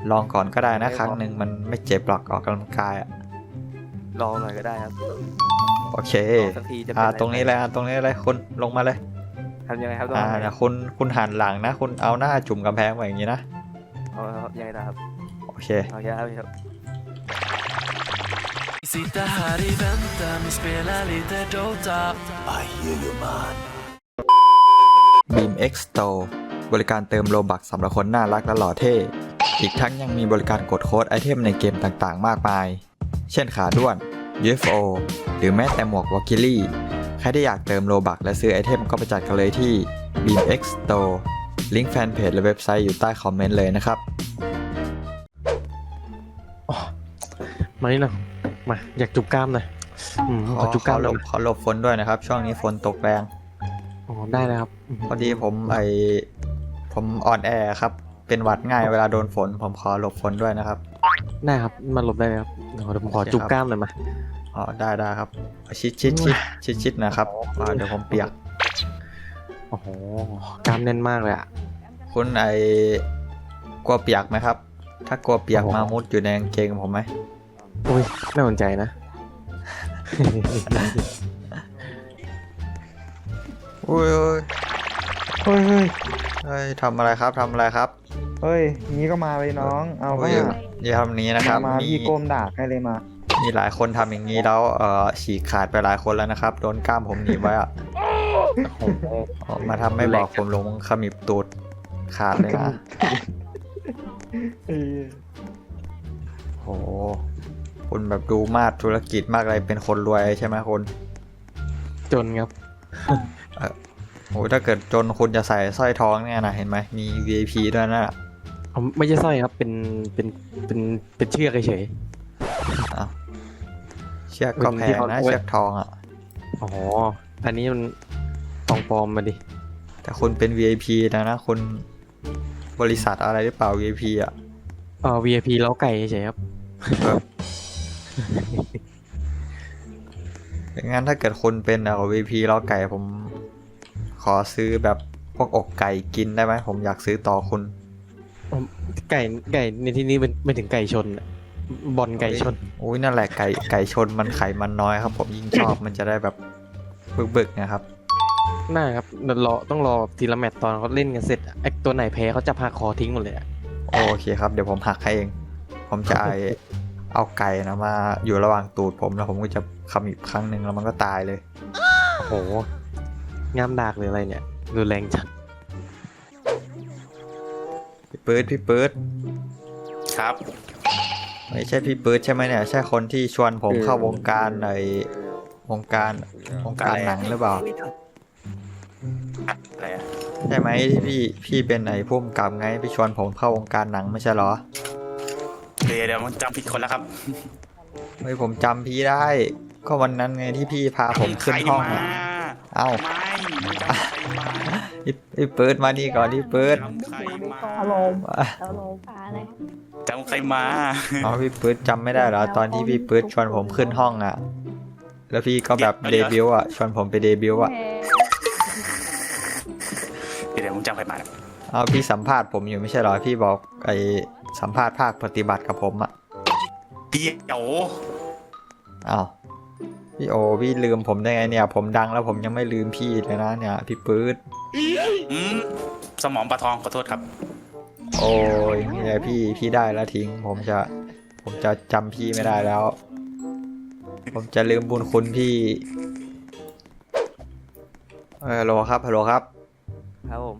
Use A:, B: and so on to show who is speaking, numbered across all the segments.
A: ลองก่อนก็ได้นะครั้งหนึ่งมันไม่เจ็บหรอกออกกำลังกายอะ
B: ลองหน่อยก็ได้ครับ
A: โอเค
B: ลองสักทีจะเป็นอะไร
A: ตรงนี้เลยตรงนี้เลยคุณลงมาเลย
B: ทำยังไงครับต้องทำยังไง
A: นะคุณหันหลังนะคุณเอาหน้าจุ่มกำแพงไว้อย่างนี้นะ
B: เอาครับยังไงนะครับ
A: โอเค
B: โอเคครับ
C: Sitta här i väntan och spela lite Dota. I hear you man.
A: Beam X Store บริการเติมโลบักสำหรับคนน่ารักและหล่อเท่อีกทั้งยังมีบริการกดโค้ดไอเทมในเกมต่างๆมากมายเช่นขาด้วน UFO หรือแม้แต่หมวกวอคิลี่ใครที่อยากเติมโลบักและซื้อไอเทมก็ไปจัดกันเลยที่ Beam X Store ลิงก์แฟนเพจและเว็บไซต์อยู่ใต้คอมเมนต์เลยนะครับ
D: มานี่หน่อยมาอยากจุบกล้ามหน่อยขอจุบกล้ามหน่อย
A: ขอหลบฝนด้วยนะครับช่วงนี้ฝนตกแรง
D: อ๋อได้เลยครับ
A: พอดีผมอ่อนแอครับเป็นหวัดง่ายเวลาโดนฝนผมขอหลบฝนด้วยนะครับ
D: ได้ครับมาหลบได้เลยครับเดี๋ยวผมขอจุบกล้ามหน่อยมา
A: อ๋อได้ครับชิดนะครับเดี๋ยวผมเปียก
D: โอ้โหกล้ามแน่นมากเลยอ่ะ
A: คุณกลัวเปียกไหมครับถ้ากลัวเปียกมามุดอยู่ในกางเกงผมไหม
D: อุ้ยน่าสนใจนะ
A: อุ้ย
E: เฮ้ย
A: ทำอะไรครับ
E: เฮ้ยนี้ก็มาเลยน้องเอาก็
A: อย่าทำนี้นะครับ
E: มาพี่ก้มด่าให้เลยมา
A: มีหลายคนทำอย่างนี้แล้วฉีกขาดไปหลายคนแล้วนะครับโดนกล้ามผมหนีบไว้อะมาทำไม่บอกผมลงขมิบตูดขาดเลยนะโอ้คุณแบบดูมาดธุรกิจมากเลยเป็นคนรวยใช่ไหมคุณ
D: จนครับ
A: โอ้ถ้าเกิดจนคุณจะใส่สร้อยทองเนี่ยนะเห็นไหมมี VIP ด้วยนะ
D: ไม่ใช่สร้อยครับเป็นเชือกเฉย
A: เชือกก็แพงนะเชือกทองอ่ะ
D: อ๋ออันนี้มันทองปลอมมาดิ
A: แต่คุณเป็น VIP นะคุณบริษัทอะไรหรือเปล่า VIP อ่ะ
D: VIP เล้าไก่เฉยครับ
A: งั้นถ้าเกิดคุณเป็นVIP เล้าไก่ผมขอซื้อแบบพวกอกไก่กินได้ไหมผมอยากซื้อต่อคุณ
D: ไก่ในที่นี้เป็นถึงไก่ชนบอลไก่ชน
A: อุ้ยนั่นแหละไก่ชนมันไขมันน้อยครับผมยิ่งชอบมันจะได้แบบบึกๆนะครับ
D: น่าครับต้องรอทีละแมตตอนเขาเล่นกันเสร็จไอ้ตัวไหนแพ้เขาจะพาคอทิ้งหมดเลย
A: โอเคครับเดี๋ยวผมหักให้เองผมจะเอาไก่นะมาอยู่ระหว่างตูดผมแล้วผมก็จะขมิบครั้งหนึ่งแล้วมันก็ตายเลย
D: โอ้โหงามดากหรืออะไรเนี่ยดูแรงจัด
A: พี่ปื๊ด
B: ครับ
A: ไม่ใช่พี่ปื๊ดใช่ไหมเนี่ยใช่คนที่ชวนผมเข้าวงการวงการหนังหรือเปล่าใช่ไหมที่พี่เป็นผู้กำกับไงพี่ชวนผมเข้าวงการหนังไม่ใช่เหรอ
B: เดี๋ยวมันจำผิดคนแล้วครับ
A: ไม่ผมจำพี่ได้ก็วันนั้นไงที่พี่พาผมขึ้นห้องเอ้าพี่ปื๊ดมานี่ก่อนพี่ปื๊ด
F: อารมณ์อะไร
B: จำใครมา
A: พี่ปื๊ดจำไม่ได้เหรอตอนที่พี่ปื๊ดชวนผมขึ้นห้องอ่ะแล้วพี่ก็แบบเดบิวต์อ่ะชวนผมไปเดบิวต์อ่ะ
B: เดี๋ยวผมจำใครมา
A: พี่สัมภาษณ์ผมอยู่ไม่ใช่เหรอพี่บอกสัมภาษณ์ภาคปฏิบัติกับผมอ่ะ
B: พี่โอ
A: พี่โอพี่ลืมผมได้ไงเนี่ยผมดังแล้วผมยังไม่ลืมพี่เลยนะเนี่ยพี่ปื๊ด
B: สมองปลาทองขอโทษครับ
A: โอ้ยเนี่ยพี่ได้แล้วทิ้งผมจะจำพี่ไม่ได้แล้วผมจะลืมบุญคุณพี่ฮัลโหลครับ
B: ครับผม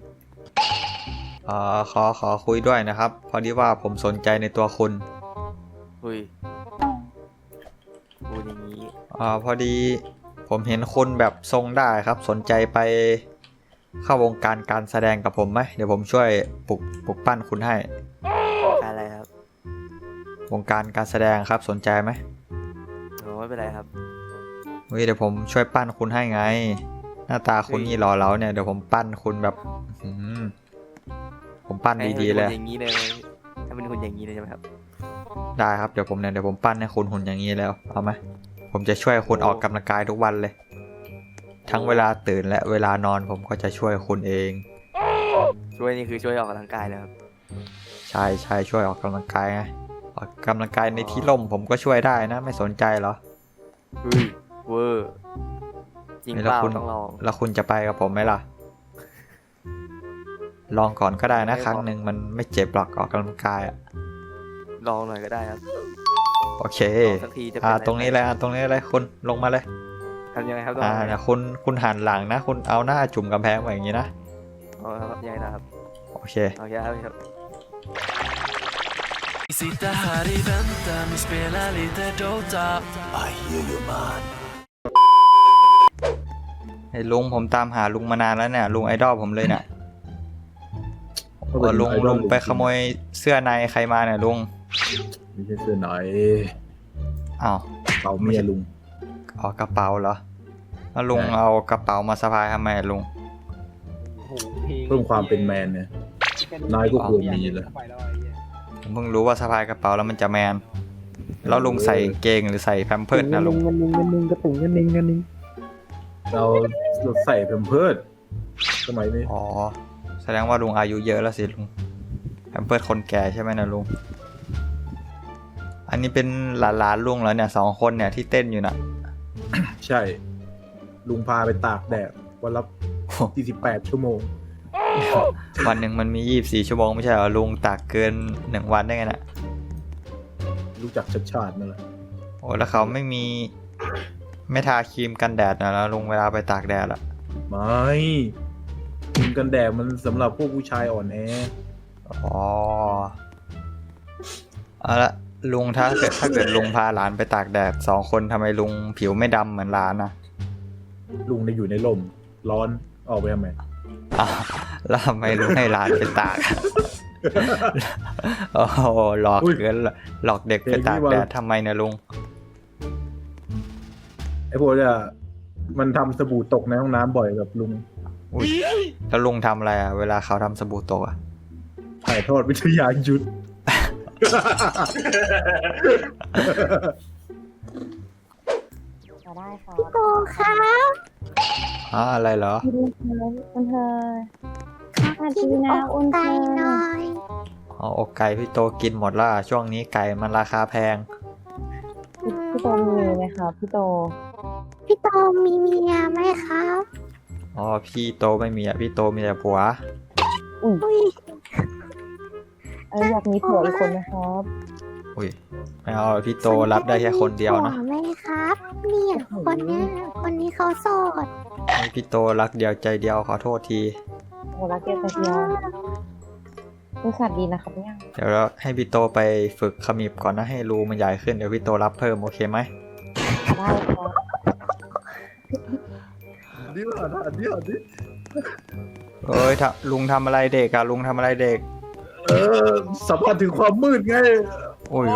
A: ขอคุยด้วยนะครับพอดีว่าผมสนใจในตัวคุณ
B: คุยอย่างนี้
A: พอดีผมเห็นคุณแบบทรงได้ครับสนใจไปเข้าวงการการแสดงกับผมไหมเดี๋ยวผมช่วยปลุกปั้นคุณให้
B: อะไรครับ
A: วงการการแสดงครับสนใจไหม
B: ไม่เป็นไรครับ
A: เดี๋ยวผมช่วยปั้นคุณให้ไงหน้าตาคุณนี่หล่อเหลาเนี่ยเดี๋ยวผมปั้นคุณแบบผมปั้นดีๆเลย
B: อย่างนี้เลยถ้าเป็นหุ่นอย่างนี้เลยใช่ไหมครับ
A: ได้ครับเดี๋ยวผมปั้นให้คุณหุ่นอย่างนี้แล้วเอาไหมผมจะช่วยคุณออกกำลังกายทุกวันเลยทั้งเวลาตื่นและเวลานอนผมก็จะช่วยคุณเอง
B: ช่วยนี่คือช่วยออกกำลังกายนะครับ
A: ใช่ใช่ช่วยออกกำลังกายไงออกกำลังกายในที่ร่มผมก็ช่วยได้นะไม่สนใจเหรอ
B: เฮ้ยเวอร์จริงเปล่าต้องลอง
A: แล้วคุณจะไปกับผมไหมล่ะ ลองก่อนก็ได้นะครั้งหนึ่งมันไม่เจ็บหรอกออกกำลังกายอ่ะ
B: ลองหน่อยก็ได้ครับ
A: โอเค
B: ลองสักทีจะเป็นอะไร
A: ตรงนี้เลยตรงนี้เลยคุณลงมาเลย
B: ทำยังไงครับต้องทำยังไง
A: นะคุณหันหลังนะ คุณเอาหน้าจุ่มกำแพงไว้อย่างนี้นะ
B: อ๋อครับยังไงนะครับ
A: โอเค
B: โอเคครับ
C: Sitta här i väntan, vi spelar lite Dota. I hear you man.
A: ไอ้ลุงผมตามหาลุงมานานแล้วเนี่ยลุงไอดอลผมเลยเนี่ยลุงไปขโมยเสื้อในใครมาเนี่ยลุง
G: ไม่ใช่เสื้อไหน
A: อ้าว
G: เป่าเมียลุง
A: เอากระเป๋าเหรอแล้วลุง
G: ใช่
A: เอากระเป๋ามาสะพายทำไมลุง
G: เพิ่มความเป็นแมนเนี่ยนายก็ควรมีเลย
A: ผมเพิ่งรู้ว่าสะพายกระเป๋าแล้วมันจะแมนแล้วลุงใส่กางเกงหรือใส่แพมเพิร์สนะลุง
G: เราใส่แพมเพิร์สสมัยนี้
A: อ๋อแสดงว่าลุงอายุเยอะแล้วสิลุงแพมเพิร์สคนแก่ใช่ไหมนะลุงอันนี้เป็นหลานลุงแล้วเนี่ย2 คนเนี่ยที่เต้นอยู่น่ะ
G: ใช่ ลุงพาไปตากแดดวันละ48 ชั่วโมง
A: วันหนึ่งมันมี24 ชั่วโมงไม่ใช่เหรอลุงตากเกิน1 วันได้ไงน่ะ
G: รู้จักชาตินั่นแหละ
A: โอ้แล้วเขาไม่ทาครีมกันแดดนะแล้วลุงเวลาไปตากแดดอะ
G: ไม่ครีมกันแดดมันสำหรับพวกผู้ชายอ่อนแอ
A: อ๋อเอาละลุงถ้าเกิดลุงพาหลานไปตากแดด2 คนทำไมลุงผิวไม่ดำเหมือนหลานนะ
G: ลุงได้อยู่ในร่มร้อนออกไปทำไม
A: อ้าวแล้วทำไมลุงให้หลานไปตาก โอ้โหหลอกเกินหลอกเด็กไปตากแดดทำไมเนี่ยลุง
G: ไอ้พวกเนี่ยมันทำสบู่ตกในห้องน้ำบ่อยกับลุง
A: อุ้ยแล้วลุงทำอะไรอะเวลาเขาทำสบู่ตกอะ
G: ถ่ายทอดวิทยายุทธ
F: จะได้ค่ะ
H: โตครับ
A: อะไรเหรอ
F: คุณเธอข้า
H: กิ
F: ดี
H: น
F: นะ
H: อก
F: อุ่นเธ
H: ไก่
F: อ
H: หน่อย
A: อกไก่พี่โตกินหมดและช่วงนี้ไก่มันราคาแพง
F: พี่โตมีไหมคะพี่โต
H: พี่โตมีเมียไหมครับ
A: อ๋อพี่โตไม่มีอะพี่โตมีแต่ผัว
H: อุ้ย
F: อยากมีผัวอีกคนไหมครับ
A: อุ้ยไม่เอาพี่โตรับได้แค่คนเดียวนะ
H: ผัไหมครับ เนี่ยคนนี้เขาโสด
A: ให้พี่โตรักเดียวใจเดียวขอโทษที
F: โอ้รักเกียรติเดียวบริษัทดีนะครับเนี่ย
A: เดี๋ยวเราให้พี่โตไปฝึกขมิบก่อนนะให้รูมันใหญ่ขึ้นเดี๋ยวพี่โตรับเพิ่มโอเคไหม
F: ได้ครับ
G: เดี๋ยวดิ
A: เอ้ยลุงทำอะไรเด็กอะลุงทำอะไรเด็ก
G: สัมผัสถึงความมืดไง
A: โอ้ย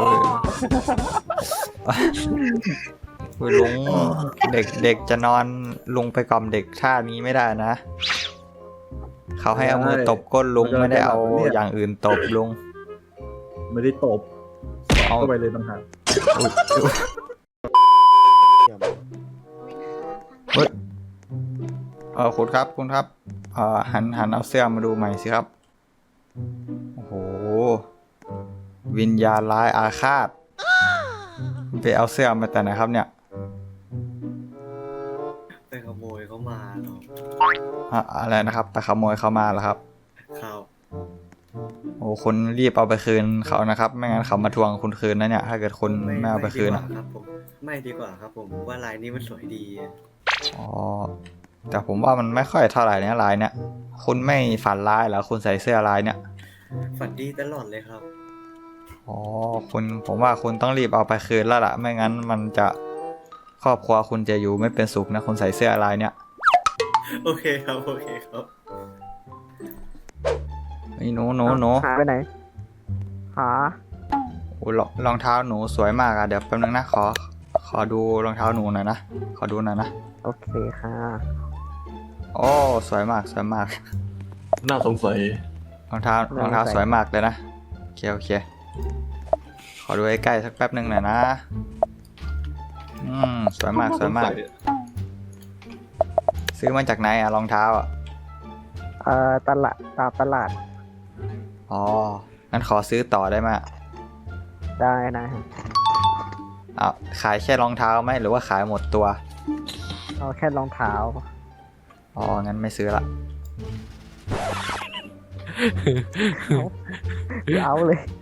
A: โอ้ยลุงเด็กจะนอนลุงไปกล่อมเด็กท่านี้ไม่ได้นะ เขาให้เอามือตบก้นลุงไม่ได้เอาอย่างอื่นตบลุง
G: ไม่ได้ตบ
A: เอา
G: เข้าไปเลยต่างหาก
A: อุ๊ยเฮ้ยคุณครับหันเอาเสื้อมาดูใหม่สิครับโอ้โหวิญญาณร้ายอาฆาตไปเอาเสื้อมาแต่ไหนครับเนี่ย
I: ไปขโมยเขามาเนาะ
A: อะไรนะครับไปขโมยเขามาเหรอครับ
I: ครับ
A: โอ้คุณรีบเอาไปคืนเขานะครับไม่งั้นเขามาทวงคุณคืนนะเนี่ยถ้าเกิดคุณไม่เอาไปคืน
I: ดีก
A: อะ
I: ว่าครับผมไม่ดีกว่าครับผมว่าลายนี้มันสวยดีอะ
A: อ๋อแต่ผมว่ามันไม่ค่อยเท่าไหร่เนี่ยลายเนี่ยคุณไม่ฝันร้ายเหรอคุณใส่เสื้อลายเนี่ย
I: ฝันดีตลอดเลยครับ
A: อ๋อผมว่าคุณต้องรีบเอาไปคืนแล้วล่ะไม่งั้นมันจะครอบครัวคุณจะอยู่ไม่เป็นสุขนะคุณใส่เสื้อลายเนี่ย
I: โอเคครับโอเคครับ
A: ไอ้หนู
E: หาไปไหน หา
A: โอ้รองเท้าหนูสวยมากอะเดี๋ยวแป๊บนึงนะขอดูรองเท้าหนูหน่อยนะขอดูหน่อยนะ
E: โอเคค่ะ
A: โอ้สวยมาก
G: น่าสงสัย
A: รองเท้าสวยมากเลยนะโอเคขอดูใกล้ๆสักแป๊บนึงหน่อยนะสวยมากซื้อมาจากไหนอะรองเท้าอะ
E: ตามตลาด
A: อ๋องั้นขอซื้อต่อได้ไหมย
E: ได้ครับ
A: เอาขายแค่รองเท้าไหมหรือว่าขายหมดตัว
E: เอาแค่รองเท้า
A: อ๋อ งั้นไม่ซื้อละ
E: เอาเลย